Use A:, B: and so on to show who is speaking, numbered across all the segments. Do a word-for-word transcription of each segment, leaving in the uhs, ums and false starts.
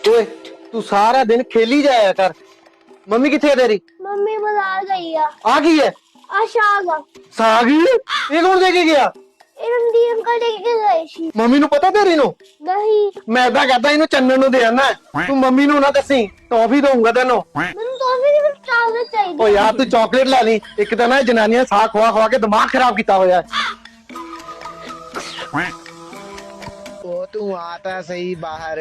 A: ओए तू सारा दिन खेली जाया कर। मम्मी किथे है तेरी?
B: मम्मी बाजार गई आ
A: आ गई है
B: आ शाग
A: साग ये कौन लेके गया?
B: ਇਹ ਰਣਦੀਪ ਅੰਕਲ ਲੈ ਕੇ ਗਏ ਸੀ।
A: मम्मी नु पता तेरी नु?
B: ਨਹੀਂ
A: मैं ਤਾਂ कहता इनु चन्नन नु दे आना तू मम्मी नु ना दसी टॉफी दूंगा तेनो।
B: ਮੈਨੂੰ ਟੌਫੀ ਦੀ ਚਾਕਲੇਟ ਚਾਹੀਦੀ।
A: ओ यार तू चॉकलेट ला ली एक तो ना जनानियां साग खवा खवा के दिमाग खराब किया होया।
C: ओ तू आता सही बाहर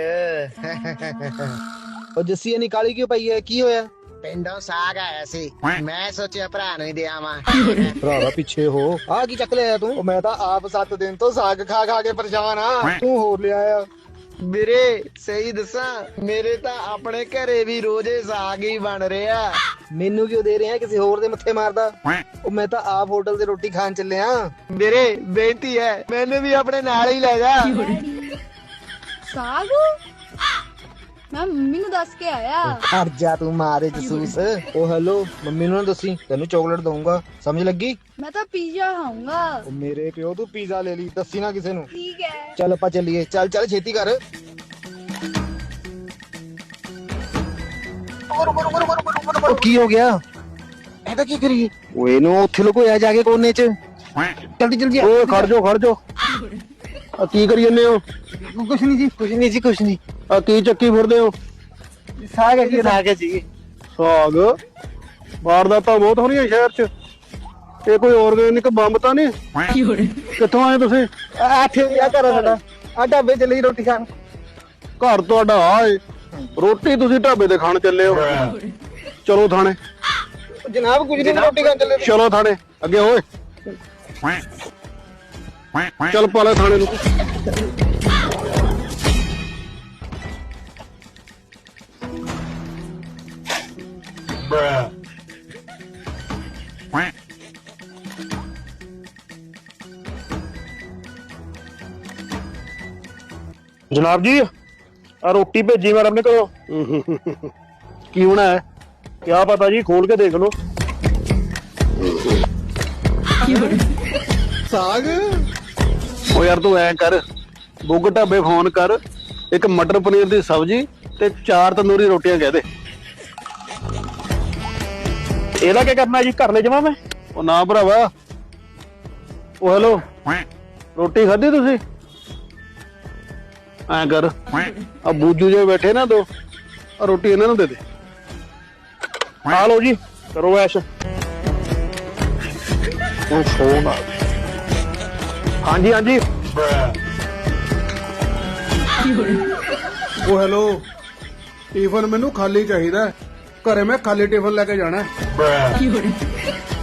D: ਉਹ ਜੱਸੀ ਇਹ ਨਿਕਾਲੀ ਕਿਉਂ ਪਈ ਹੈ? ਕੀ ਹੋਇਆ?
C: ਪਿੰਡੋਂ ਸਾਗ ਆਇਆ ਸੀ ਮੈਂ ਸੋਚਿਆ ਭਰਾ ਨੂੰ ਹੀ ਦੇ ਆਵਾਂ।
D: ਭਰਾਵਾ ਪਿੱਛੇ ਹੋ। ਆ ਕੀ ਚੱਕ ਲਿਆ ਤੂੰ? ਉਹ ਮੈਂ ਤਾਂ ਆਪ ਸੱਤ ਦਿਨ ਤੋਂ ਸਾਗ ਖਾ ਖਾ ਕੇ ਪਰੇਸ਼ਾਨ ਆ। ਤੂੰ ਹੋਰ ਲਿਆ ਆ?
C: ਵੀਰੇ ਸਹੀ ਦੱਸਾਂ ਮੇਰੇ ਤਾਂ ਆਪਣੇ ਘਰੇ ਵੀ ਰੋਜ਼ੇ ਸਾਗ ਹੀ ਬਣ ਰਿਹਾ।
D: ਮੈਨੂੰ ਕਿਉਂ ਦੇ ਰਿਹਾ ਕਿਸੇ ਹੋਰ ਦੇ ਮੱਥੇ ਮਾਰਦਾ? ਉਹ ਮੈਂ ਤਾਂ ਆਪ ਹੋਟਲ ਤੇ ਰੋਟੀ ਖਾਣ ਚੱਲਿਆ।
C: ਵੀਰੇ ਬੇਨਤੀ ਹੈ ਮੈਨੂੰ ਵੀ ਆਪਣੇ ਨਾਲ ਹੀ ਲੈ ਜਾ।
E: ਸਾਗ ਮੈਂ ਮੰਮੀ ਨੂੰ ਦੱਸ ਕੇ ਆਇਆ।
D: ਖੜ ਜਾ ਤੂੰ ਮਾਰੇ ਜਸੂਸ। ਉਹ ਹੈਲੋ ਮੰਮੀ ਨੂੰ ਨਾ ਦੱਸੀ ਤੈਨੂੰ ਚਾਕਲੇਟ ਦਊਂਗਾ ਸਮਝ ਲੱਗੀ?
E: ਮੈਂ ਤਾਂ ਪੀਜ਼ਾ ਖਾਊਂਗਾ।
D: ਉਹ ਮੇਰੇ ਪਿਓ ਤੂੰ ਪੀਜ਼ਾ ਲੈ ਲਈ ਦੱਸੀ ਨਾ ਕਿਸੇ ਨੂੰ।
E: ਠੀਕ ਹੈ।
D: ਚੱਲ ਆਪਾਂ ਚੱਲੀਏ। ਚੱਲ ਚੱਲ ਛੇਤੀ ਕਰ। ਉਹ ਕੀ ਹੋ ਗਿਆ?
A: ऐसा की करिए?
D: ਉਹ ਇਹਨੂੰ ਉੱਥੇ ਲੁਕੋਇਆ ਜਾ ਕੇ ਕੋਨੇ 'ਚ। ਜਲਦੀ ਜਲਦੀ
A: ओए खड़ जाओ खड़ जाओ आ की करी जन्ने हो?
D: ਕੁਛ ਨਹੀਂ ਜੀ ਕੁਛ ਨਹੀਂ ਜੀ ਕੁਛ ਨਹੀਂ।
A: आ की चक्की फिरदे हो?
D: ਸਾਗ ਹੈ ਜੀ ਸਾਗ ਹੈ ਜੀ।
A: साग वारदातां बहुत हो रही शहर च ਇਹ ਕੋਈ ਆਰਗੈਨਿਕ ਬੰਬ ਤਾਂ ਨਹੀਂ? ਕਿੱਥੋਂ ਆਏ ਤੁਸੀਂ?
D: ਆਠੇ ਆ ਘਰ ਸਾਡਾ ਆ ਢਾਬੇ ਚੱਲੇ ਜੀ ਰੋਟੀ ਖਾਣ।
A: ਘਰ ਤੁਹਾਡਾ ਆਏ ਰੋਟੀ ਤੁਸੀਂ ਢਾਬੇ ਤੇ ਖਾਣ ਚੱਲੇ ਹੋ? ਚਲੋ ਥਾਣੇ।
D: ਜਨਾਬ ਕੁਝ ਨਹੀਂ ਰੋਟੀ ਖਾਣ ਚੱਲੇ।
A: ਚਲੋ ਥਾਣੇ ਅੱਗੇ ਹੋਏ ਚੱਲ ਪਾਲੇ ਥਾਣੇ ਨੂੰ। जनाब जी आ रोटी भेजी मैडम ने करो। की होना है? क्या पता जी खोल के देख लो।
D: ਸਾਗ
A: ओ यार तू ऐ कर बुग ढाबे फोन कर एक मटर पनीर दी सब्जी ते चार तंदूरी रोटियां कह दे।
F: ਇਹਦਾ ਕੀ ਕਰਨਾ ਜੀ? ਘਰ ਲੈ ਜਾਵਾਂ ਮੈਂ?
A: ओ ना भरावा ओ हेलो रोटी खाधी तुसी? ऐ कर आ बूजू जे बैठे ना दो आ रोटी इन्हां नूं दे दे।
F: ਆ ਲਓ ਜੀ ਕਰੋ ਐਸ਼।
A: ओ फोन आ
F: ਹਾਂਜੀ ਹਾਂਜੀ
G: ਉਹ ਹੈਲੋ ਟਿਫਨ ਮੈਨੂੰ ਖਾਲੀ ਚਾਹੀਦਾ ਘਰੇ ਮੈਂ ਖਾਲੀ ਟਿਫਨ ਲੈ ਕੇ ਜਾਣਾ।